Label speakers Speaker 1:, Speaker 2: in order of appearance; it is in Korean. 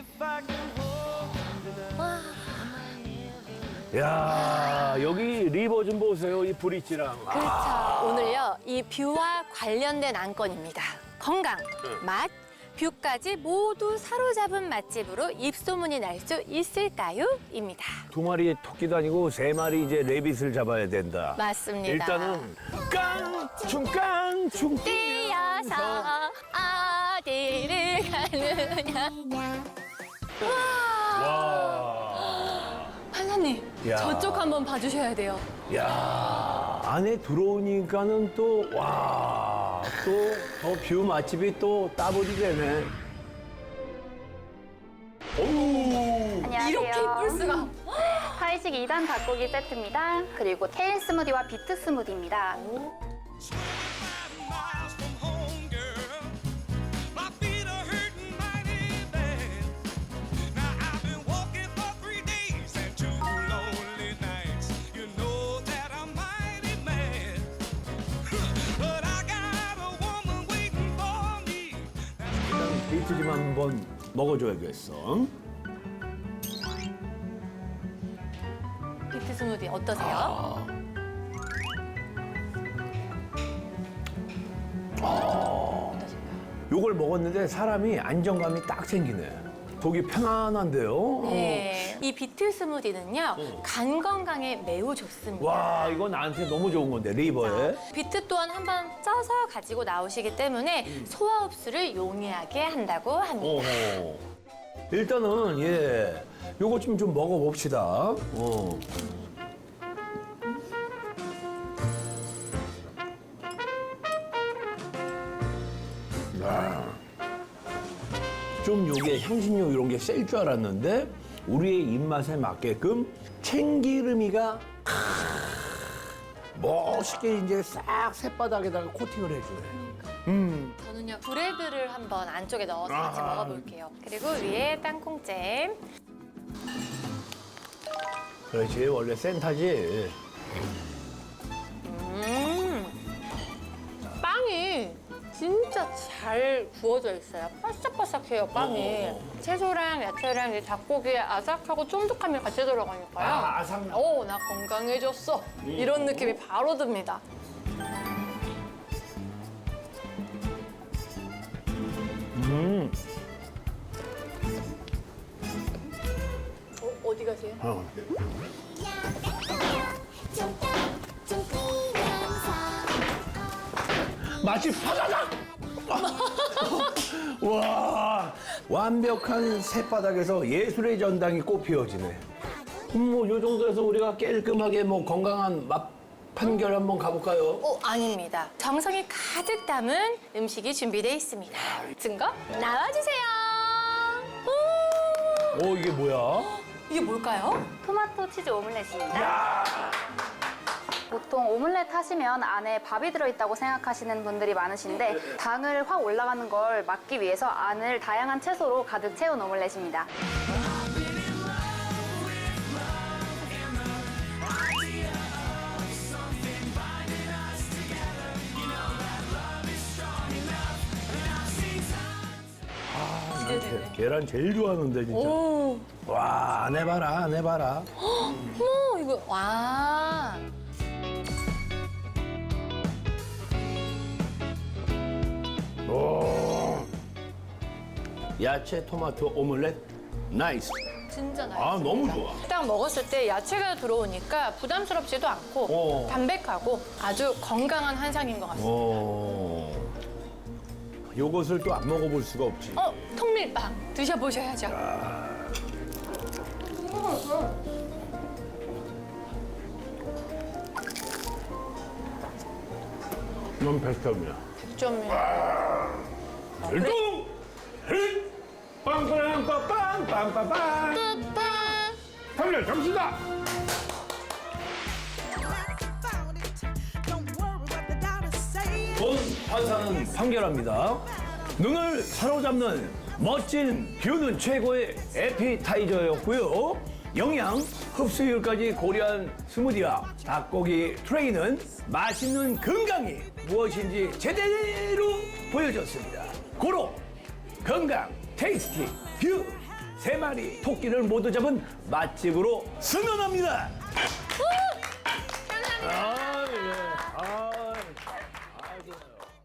Speaker 1: 야, 여기 리버 좀 보세요. 이 브릿지랑.
Speaker 2: 그렇죠. 오늘요, 이 뷰와 관련된 안건입니다. 건강, 맛, 뷰까지 모두 사로잡은 맛집으로 입소문이 날 수 있을까요? 입니다.
Speaker 1: 두 마리의 토끼도 아니고 세 마리 이제 레빗을 잡아야 된다.
Speaker 2: 맞습니다.
Speaker 1: 일단은 깡충
Speaker 2: 뛰어서 어디를 가느냐.
Speaker 1: 와.
Speaker 2: 판사님,
Speaker 1: 야.
Speaker 2: 저쪽 한번 봐주셔야 돼요.
Speaker 1: 야, 안에 들어오니까는 또, 와, 또, 더 뷰 맛집이 또 따블이 되네. 오!
Speaker 3: 안녕하세요.
Speaker 2: 이렇게 이쁠 수가.
Speaker 3: 타이식 2단 닭고기 세트입니다. 그리고 케일 스무디와 비트 스무디입니다.
Speaker 4: miles from home, girl. My feet are hurting mighty bad. Now I've been walking for 3 days and 2 lonely nights. You know that I'm mighty mad. But I got a woman waiting for me.
Speaker 1: 일단 데이트 좀 한번 먹어줘야겠어.
Speaker 2: 비트 스무디 어떠세요?
Speaker 1: 요걸 먹었는데 사람이 안정감이 딱 생기네. 속이 편안한데요?
Speaker 2: 네. 이 비트 스무디는요, 간 건강에 매우 좋습니다.
Speaker 1: 와, 이거 나한테 너무 좋은 건데, 리버에.
Speaker 2: 비트 또한 한번 쪄서 가지고 나오시기 때문에 소화 흡수를 용이하게 한다고 합니다.
Speaker 1: 어허. 일단은, 예, 요거 좀 먹어봅시다. 좀 요게 향신료 이런 게 셀 줄 알았는데 우리의 입맛에 맞게끔 참기름이가 멋있게 이제 싹 새바닥에다가 코팅을 해주네.
Speaker 2: 저는요, 브레드를 한번 안쪽에 넣어서 같이
Speaker 1: 아하.
Speaker 2: 먹어볼게요. 그리고 위에 땅콩잼.
Speaker 1: 그렇지, 원래 센타지.
Speaker 2: 빵이 진짜 잘 구워져 있어요. 바삭바삭해요, 빵이. 채소랑 야채랑 이 닭고기의 아삭하고 쫀득함이 같이 들어가니까요.
Speaker 1: 아삭.
Speaker 2: 오, 나 건강해졌어. 이런 느낌이 바로 듭니다. 어디 가세요?
Speaker 1: 맛이 파다닥! 와, 완벽한 새바닥에서 예술의 전당이 꽃피어지네. 뭐, 요 정도에서 우리가 깔끔하게 뭐 건강한 맛 판결 한번 가볼까요?
Speaker 2: 아닙니다. 정성이 가득 담은 음식이 준비되어 있습니다. 증거 나와주세요. 오,
Speaker 1: 이게 뭐야?
Speaker 2: 이게 뭘까요?
Speaker 3: 토마토 치즈 오믈렛입니다. 보통 오믈렛 하시면 안에 밥이 들어있다고 생각하시는 분들이 많으신데 당을 확 올라가는 걸 막기 위해서 안을 다양한 채소로 가득 채운 오믈렛입니다.
Speaker 1: 계란 제일 좋아하는데 진짜.
Speaker 2: 오,
Speaker 1: 와, 안 해봐라, 안 해봐라.
Speaker 2: 어머, 이거, 와.
Speaker 1: 오. 야채 토마토 오믈렛 나이스.
Speaker 2: 진짜 나요.
Speaker 1: 아, 너무 좋아.
Speaker 2: 딱 먹었을 때 야채가 들어오니까 부담스럽지도 않고 담백하고 아주 건강한 한상인 것 같습니다.
Speaker 1: 요것을 또 안 먹어볼 수가 없지.
Speaker 2: 통밀빵 드셔보셔야죠.
Speaker 1: 넌 100점이야.
Speaker 2: 100점이요.
Speaker 1: 일동! 헷! 빵빵빵빵 빵빵빵! 달려, 점수다!
Speaker 4: Don't worry what the doctors say.
Speaker 1: 본 판사는 판결합니다. 눈을 사로잡는 멋진 뷰는 최고의 에피타이저였고요. 영양, 흡수율까지 고려한 스무디와 닭고기 트레이는 맛있는 건강이 무엇인지 제대로 보여줬습니다. 고로, 건강, 테이스티, 뷰, 3마리 토끼를 모두 잡은 맛집으로 승선합니다.
Speaker 2: 감사합니다.